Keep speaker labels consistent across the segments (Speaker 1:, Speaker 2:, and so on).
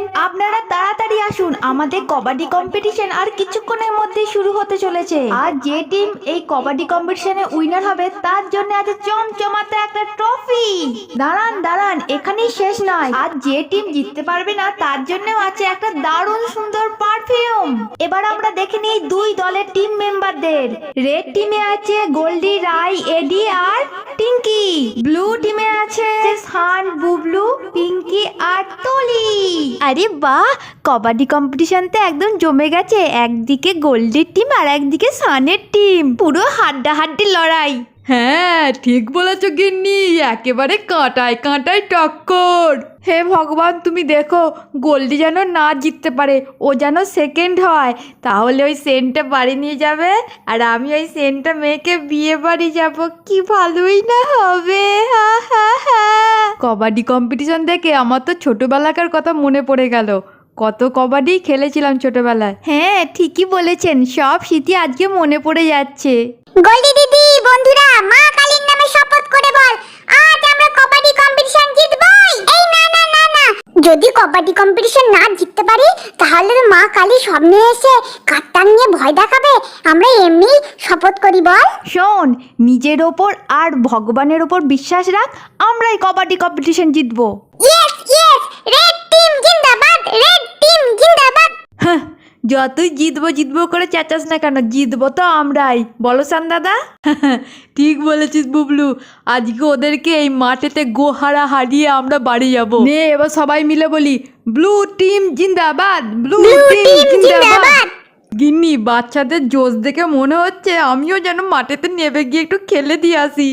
Speaker 1: আপনারা তাড়াতাড়ি আসুন, আমাদের কবাডি কম্পিটিশন আর কিছুক্ষণের মধ্যে শুরু হতে চলেছে। আর যে টিম এই কবাডি কম্পিটিশনে উইনার হবে তার জন্য আছে চমচমাতে একটা ট্রফি। দাঁড়ান দাঁড়ান, এখানেই শেষ নয়, আর যে টিম জিততে পারবে না তার জন্যও আছে একটা দারুণ সুন্দর পারফিউম। এবার আমরা দেখে নিই দুই দলের টিম মেম্বারদের। রেড টিমে আছে গোল্ডি, রাই, এডি আর টিঙ্কি। ব্লু টিমে আছে সান, বুবলু, পিঙ্কি আর তুলি। আরে বাহ, কবাডি কম্পিটিশন তো একদম জমে গেছে। একদিকে গোল্ডের টিম আর একদিকে সানের টিম, পুরো হাড্ডাহাড্ডি লড়াই।
Speaker 2: হ্যাঁ ঠিক বলেছো গিন্নি, একেবারে কাঁটায় কাঁটায় টক্কর। হে ভগবান, তুমি দেখো গোল্ডি যেন না জিততে পারে, ও যেন সেকেন্ড হয়, তাহলে ওই সেন্টটা বাড়ি নিয়ে যাবে আর আমি ওই সেন্টটা মেয়েকে বিয়ে বাড়ি যাব। কি ভালোই না হবে। হা হা হা। কবাডি কম্পিটিশন দেখে আমার তো ছোটবেলাকার কথা মনে পড়ে গেল। কত কবাডি খেলেছিলাম ছোটবেলায়।
Speaker 1: হ্যাঁ ঠিকই বলেছেন, সব স্মৃতি আজকে মনে পড়ে যাচ্ছে।
Speaker 3: গোল্ডি দিদি, বন্ধুরা, মা কালীর নামে শপথ করে বল, আজ আমরা কবাডি কম্পিটিশন জিতবই। এই না না না না, যদি কবাডি কম্পিটিশন না জিততে পারি তাহলে তো মা কালী স্বপ্নে এসে কাঁটান নিয়ে ভয় দেখাবে। আমরা এমনি শপথ করি বল।
Speaker 1: শোন, নিজের ওপর আর ভগবানের ওপর বিশ্বাস রাখ, আমরাই কবাডি কম্পিটিশন জিতবো।
Speaker 3: ইয়েস ইয়েস, রেড টিম জিন্দাবাদ, রেড টিম জিন্দাবাদ।
Speaker 2: হ্যাঁ, যতই জিতবো জিতবো করে চেঁচাস না কেন, জিতবো তো আমরাই, বলো সান দাদা? ঠিক বলেছিস বুবলু, আজকে ওদেরকে এই মাঠেতে গোহারা হারিয়ে আমরা বাড়ি যাব। নে এবার সবাই মিলে বলি, ব্লু টিম জিন্দাবাদ, ব্লু টিম জিন্দাবাদ। গিন্নি, বাচ্চাদের জোশ দেখে মনে হচ্ছে আমিও যেন মাঠেতে নেমে গিয়ে একটু খেলে দিয়ে আসি।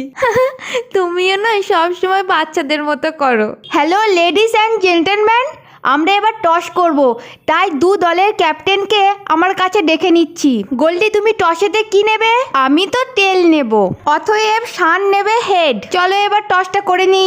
Speaker 1: তুমিও না সবসময় বাচ্চাদের মতো করো। হ্যালো লেডিস অ্যান্ড জেন্টলম্যান, আমরা এবার টস করব, তাই দু দলের ক্যাপ্টেনকে আমার কাছে ডেকে নিচ্ছি। গোল্ডি, তুমি টসেতে কি নেবে? আমি তো টেল নেব, অতএব শান নেবে হেড। চলো এবার টসটা করে নিই।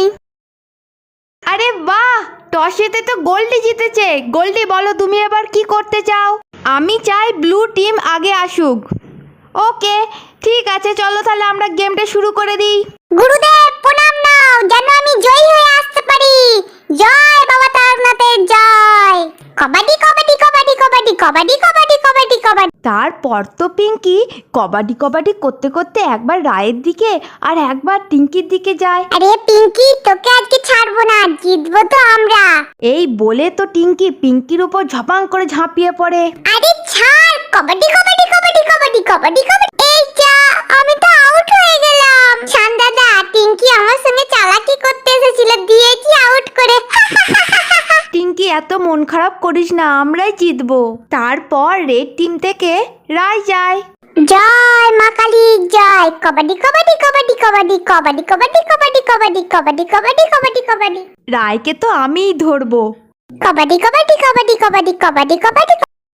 Speaker 1: আরে বাহ, টসেতে তো গোল্ডি জিতেছে। গোল্ডি বলো তুমি এবার কি করতে চাও? আমি চাই ব্লু টিম আগে আসুক। ওকে ঠিক আছে, চলো তাহলে আমরা গেমটা শুরু করে দিই।
Speaker 3: গুরুদেব প্রণাম নাও, যেন আমি জয়ী হয়ে আসতে পারি। জয় বাবা তারনাথের জয়। কবাডি কবাডি কবাডি কবাডি কবাডি কবাডি কবাডি কবাডি।
Speaker 1: তারপর তো পিঙ্কি কবাডি কবাডি করতে করতে একবার রায়ের দিকে আর একবার টিঙ্কির দিকে যায়।
Speaker 3: আরে পিঙ্কি, তোকে আজকে ছাড়বো না, জিতবো তো আমরা।
Speaker 1: এই বলে তো টিঙ্কি পিঙ্কির উপর ঝপাং করে ঝাঁপিয়ে পড়ে।
Speaker 3: আরে ছাড়, কবাডি কবাডি কবাডি কবাডি কবাডি কবাডি। এই যা, আমি তো আউট হয়ে গেলাম। শান দাদা, টিঙ্কি আমার সঙ্গে চালাকি করতে এসেছিল, দিয়েছি আউট করে।
Speaker 1: টিঙ্কি এত মন খারাপ করিস না, আমরাই জিতবো। তারপর রেড টিম থেকে রায় যায়।
Speaker 3: জয় মা কালী জয়। কবাডি কবাডি কবাডি কবাডি কবাডি কবাডি কবাডি কবাডি কবাডি কবাডি কবাডি কবাডি।
Speaker 1: রায়কে তো আমিই ধরবো।
Speaker 3: কবাডি কবাডি কবাডি কবাডি কবাডি কবাডি।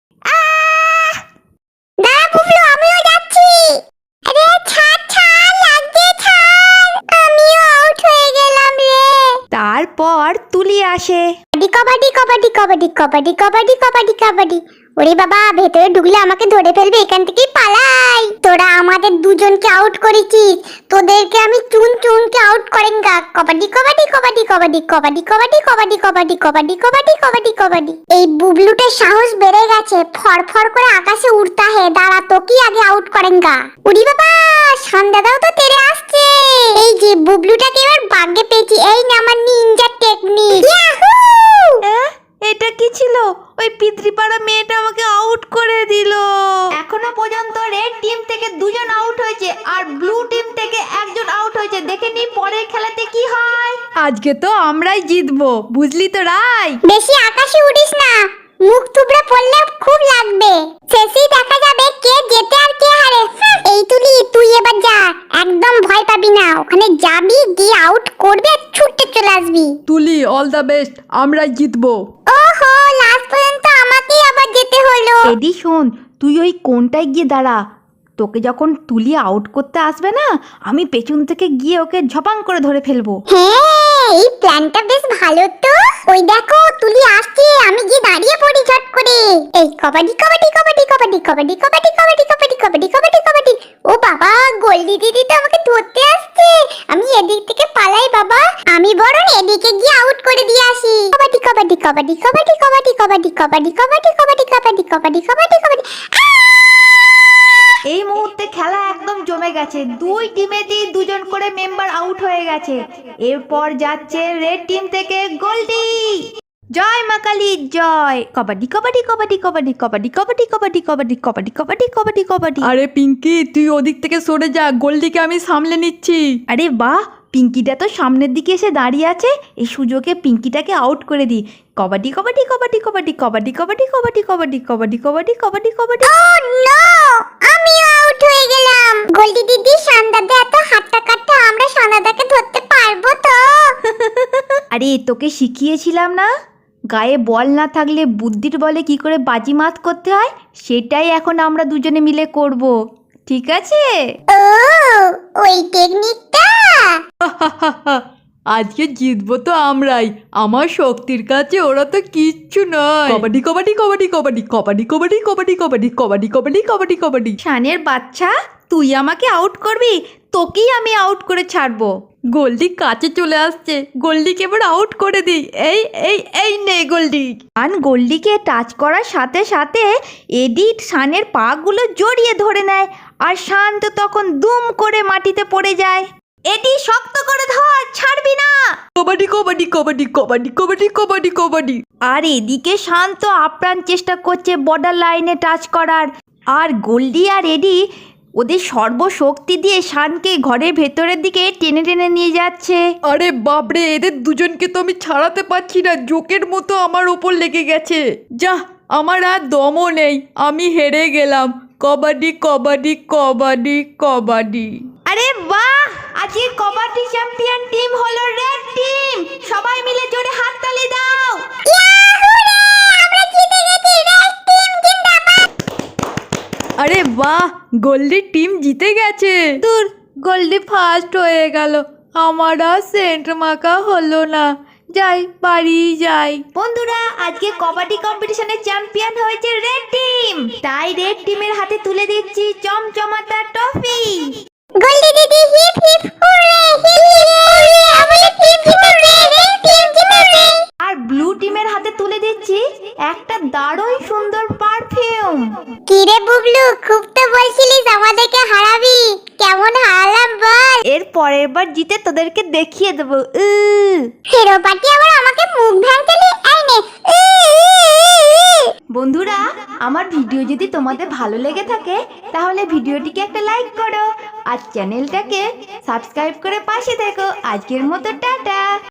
Speaker 3: আহ! দাঁড়া বুবলু, আমিও যাচ্ছি। আরে ছাড় ছাড়, লাগছে ছাড়, আমিও আউট হয়ে গেলাম রে।
Speaker 1: তারপর তুলি আসে।
Speaker 3: কবাডি কবাডি কবাডি কবাডি কবাডি কবাডি কবাডি। ওরে বাবা, ভেতরে ঢুকলে আমাকে ধরে ফেলবে, এখান থেকেই পালাই। তোরা আমাদের দুজনকে আউট করেছিস, তোদেরকে আমি চুন চুনকে আউট করেঙ্গা। কবাডি কবাডি কবাডি কবাডি কবাডি কবাডি কবাডি কবাডি কবাডি কবাডি কবাডি কবাডি। এই বুবলুটার সাহস বেড়ে গেছে, ফরফর করে আকাশে উড়তা হে। দাঁড়া, তোকেই আগে আউট করেঙ্গা। উড়ি বাবা, সন্ধ্যাদাও তো তেরে আসছে। এই যে বুবলুটাকে এবার বাগে পেয়েছি, এই না আমার নিনজা টেকনিক। ইয়াহু!
Speaker 1: এটা কি ছিল? ওই পিতৃপাড়া মেয়েটা আমাকে আউট করে দিল। এখনো পর্যন্ত রেড টিম থেকে দুজন আউট হয়েছে আর ব্লু টিম থেকে একজন আউট হয়েছে। দেখে নি পরের খেলাতে কি হয়।
Speaker 2: আজকে তো আমরাই জিতবো, বুঝলি তো রাই?
Speaker 3: বেশি আকাশে উড়িস না, মুখ থুবড়ে পড়লে খুব লাগবে। শেষেই দেখা যাবে কে জেতে আর কে হারে। এই তুলি, তুই এবার যা, একদম ভয় পাবি না। ওখানে যাবি, দিয়ে আউট করবে, ছুটে চলে আসবি।
Speaker 2: তুলি, অল দ্য বেস্ট, আমরাই জিতবো।
Speaker 3: ওহো, লাস্ট পর্যন্ত আমাকেই আবার যেতে হলো।
Speaker 1: এডি শোন, তুই ওই কোনটায় গিয়ে দাঁড়া। তোকে যখন তুলি আউট করতে আসবে না, আমি পেছন থেকে গিয়ে ওকে ঝপাং করে ধরে ফেলবো।
Speaker 3: হ্যাঁ, এই প্ল্যানটা বেশ ভালো তো। ওই দেখো তুলি আসছে, আমি গিয়ে দাঁড়িয়ে পড়ি ঝট করে। এই কবাডি কবাডি কবাডি কবাডি কবাডি কবাডি কবাডি কবাডি কবাডি কবাডি কবাডি। ও বাবা, গোল্ডি দিদি তো আমাকে ধরতে আসছে। আমি এদিক থেকে পালাই বাবা, আমি বরং এদিকে গিয়ে আউট করে দিয়ে আসি। কবাডি কবাডি কবাডি কবাডি কবাডি কবাডি কবাডি কবাডি কবাডি কবাডি কবাডি কবাডি কবাডি।
Speaker 1: এই মুহূর্তে খেলা একদম জমে গেছে, দুই টিমেতেই দুজন করে মেম্বার আউট হয়ে গেছে। এরপর যাচ্ছে রেড টিম থেকে গোল্ডি। জয় মা কালী জয়। কবাডি কবাডি কবাডি কবাডি কবাডি কবাডি কবাডি কবাডি কবাডি কবাডি কবাডি কবাডি।
Speaker 2: আরে পিঙ্কি তুই ওদিক থেকে সরে যা, গোল্ডিকে আমি সামলে নিচ্ছি।
Speaker 1: আরে বাহ, পিঙ্কিটা তো সামনের দিকে এসে দাঁড়িয়ে আছে, এই সুযোগে পিঙ্কিটাকে আউট করে দিই। কবাডি কবাডি কবাডি কবাডি কবাডি কবাডি কবাডি কবাডি কবাডি কবাডি কবাডি কবাডি।
Speaker 3: ও নো, আমিও আউট হয়ে গেলাম। গোল্ডি দিদি, সান্দাদা এত হাট্টা কাট্টা, আমরা সান্দাদাকে ধরতে পারবো তো?
Speaker 1: আরে তোকে শিখিয়েছিলাম না, গায়ে বল না থাকলে বুদ্ধির বলে কি করে বাজিমাত করতে হয়, সেটাই এখন আমরা দুজনে মিলে করব, ঠিক আছে?
Speaker 3: ও, ওই টেকনিকটা।
Speaker 2: আজকে জিতবো তো আমরাই, আমার শক্তির কাছে ওরা তো কিচ্ছু নয়। কবাডি কবাডি কবাডি কবাডি কবাডি কবাডি কবাডি কবাডি কবাডি কবাডি কবাডি কবাডি।
Speaker 1: শানের বাচ্চা, তুই আমাকে আউট করবি, তোকেই আমি আউট করে ছাড়বো।
Speaker 2: গোল্ডি কাছে চলে আসছে, গোল্ডিকে এবার আউট করে দিই। এই এই এই নে গোল্ডি।
Speaker 1: শান গোল্ডিকে টাচ করার সাথে সাথে এডিট শানের পাগুলো জড়িয়ে ধরে নেয়, আর শান তো তখন দুম করে মাটিতে পড়ে যায়। এডি শক্ত করে ধর, ছাড়বি না।
Speaker 2: কবাডি কবাডি কবাডি কবাডি কবাডি কবাডি কবাডি।
Speaker 1: আর এদিকে শান তো আপ্রাণ চেষ্টা করছে বর্ডার লাইনে টাচ করার, আর গোল্ডি আর এডি ওদের সর্বশক্তি দিয়ে শানকে ঘরের ভেতরের দিকে টেনে টেনে নিয়ে যাচ্ছে।
Speaker 2: আরে বাপরে, এদের দুজনকে তো আমি ছাড়াতে পারছি না, জোকের মতো আমার ওপর লেগে গেছে। যা, আমার আর দমও নেই, আমি হেরে গেলাম। কবাডি কবাডি কবাডি কবাডি।
Speaker 1: আরে বাহ, আজকে কবাডি চ্যাম্পিয়ন টিম হলো রেড টিম। সবাই মিলে জোরে হাততালি দাও।
Speaker 2: আরে বাহ, গোল্ডি টিম জিতে গেছে। দূর, গোল্ডি ফার্স্ট হয়ে গেল, আমার আর সেন্ট মাখা হলো না। যাই, বাড়ি যাই।
Speaker 1: বন্ধুরা, আজকে কবাডি কম্পিটিশনের চ্যাম্পিয়ন হয়েছে রেড টিম, তাই রেড টিমের হাতে তুলে দিচ্ছি চমচমাতা ট্রফি।
Speaker 3: গোল্ডি দিদি, hip hip hooray, hip hip hooray, আমাদের টিম জিতেছে, রেড টিম জিতেছে।
Speaker 1: আর ব্লু টিমের হাতে তুলে দিচ্ছি একটা দারুণ সুন্দর পারফিউম।
Speaker 3: কি রে বুবলু, খুব তো বলছিলিস আমাদেরকে হারাবি, কেমন হারালাম বল?
Speaker 1: এর পরের বার জিতে তোদেরকে দেখিয়ে দেবো।
Speaker 3: হিরো পার্টি আবার আমাকে মুখ ভাঙতেলি, এই নে।
Speaker 1: বন্ধুরা, আমার ভিডিও যদি তোমাদের ভালো লেগে থাকে তাহলে ভিডিওটিকে একটা লাইক করো আর চ্যানেলটাকে সাবস্ক্রাইব করে পাশে থেকো। আজকের মতো টাটা।